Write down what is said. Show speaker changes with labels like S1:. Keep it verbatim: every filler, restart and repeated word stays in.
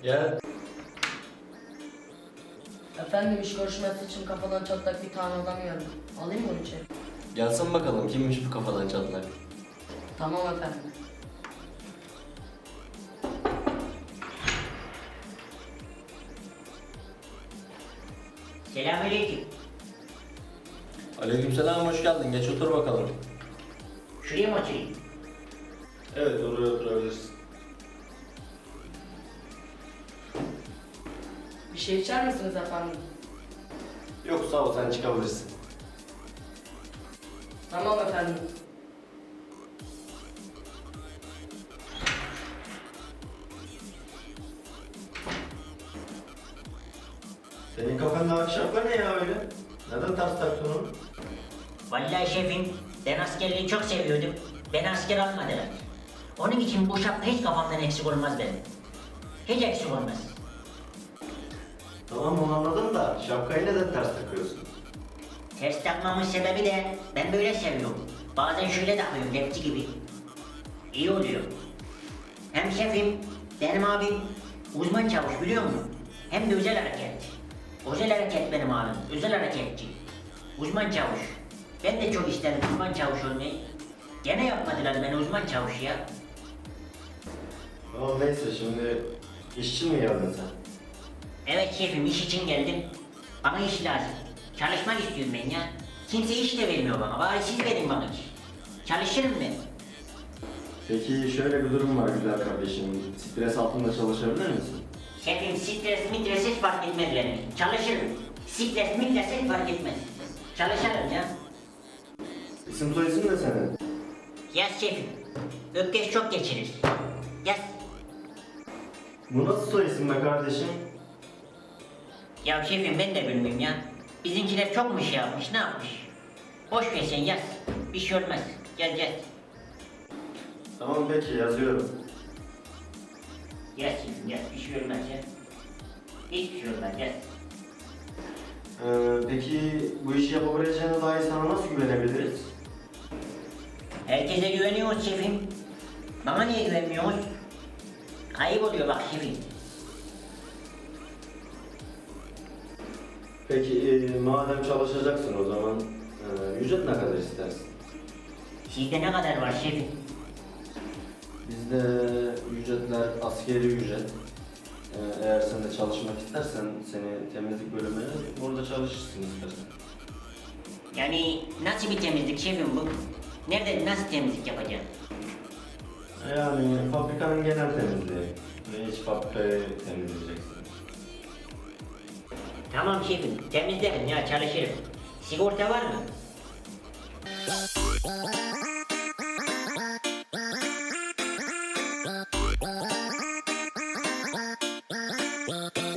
S1: Gel.
S2: Efendim iş görüşmesi için kafadan çatlak bir tane adam geldi. Alayım mı onu içeri?
S1: Gelsin bakalım kimmiş bu kafadan çatlak.
S2: Tamam efendim.
S3: Selamünaleyküm.
S1: Aleykümselam, hoş geldin. Geç otur bakalım.
S3: Şuraya mı oturayım?
S1: Evet, oraya oturabilirsin.
S2: Bir şey içer misiniz efendim?
S1: Yok sağ ol, sen çıkabilirsin.
S2: Tamam efendim.
S1: Senin kafanda akşapla ne ya öyle? Neden ters taktın onu?
S3: Vallahi şefim, ben askerliği çok seviyordum. Beni asker almadılar. Onun için bu şapka hiç kafamdan eksik olmaz benim. Hiç eksik olmaz.
S1: Tamam onu anladım da şapkayı neden ters takıyorsun?
S3: Ters takmamın sebebi de ben böyle seviyorum. Bazen şöyle takıyorum, rapçi gibi. İyi oluyor. Hem şefim, benim abim uzman çavuş biliyor musun? Hem de özel hareket. Özel hareket benim abim, özel hareketçi. Uzman çavuş. Ben de çok isterim uzman çavuş olmayı. Gene yapmadılar beni uzman çavuş ya.
S1: Tamam neyse, şimdi işçi mi geldin sen?
S3: Evet şefim, iş için geldim. Bana iş lazım. Çalışmak istiyorum ben ya. Kimse iş de vermiyor bana. Bari siz verin bana iş. Çalışırım ben.
S1: Peki şöyle bir durum var güzel kardeşim. Stres altında çalışabilir misin?
S3: Şefim stres mitres hiç fark etmez benim. Çalışırım. Stres mitres hiç fark etmez. Çalışırım ya.
S1: İsim soy isim ne senin?
S3: Yaz şefim. Öpkeş çok geçirir. Yaz.
S1: Bu nasıl soy isim be kardeşim?
S3: Ya şefim ben de bilmiyorum ya. Bizimkiler çok mu şey yapmış, ne yapmış? Boş ver sen yaz. Bir şey olmaz. Gel gel.
S1: Tamam peki, yazıyorum.
S3: Yaz şefim yaz. Bir şey olmaz ya. Hiçbir şey olmaz yaz.
S1: Ee, peki bu işi yapabileceğine dair sana nasıl güvenebiliriz?
S3: Herkese güveniyoruz şefim. Bana niye güvenmiyoruz? Ayıp oluyor bak şefim.
S1: Peki e, madem çalışacaksın o zaman e, ücret ne kadar istersin?
S3: Sizde ne kadar var şefim?
S1: Bizde ücretler askeri ücret. E, eğer sen de çalışmak istersen seni temizlik bölümüne orada çalışırsın istersen.
S3: Yani nasıl bir temizlik şefim bu? Nerede nasıl temizlik yapacağım?
S1: Yani fabrikanın genel temizliği. Ve iç fabrikayı temizleyeceksin.
S3: Tamam şefim, temizlerim ya çalışırım. Sigorta var mı?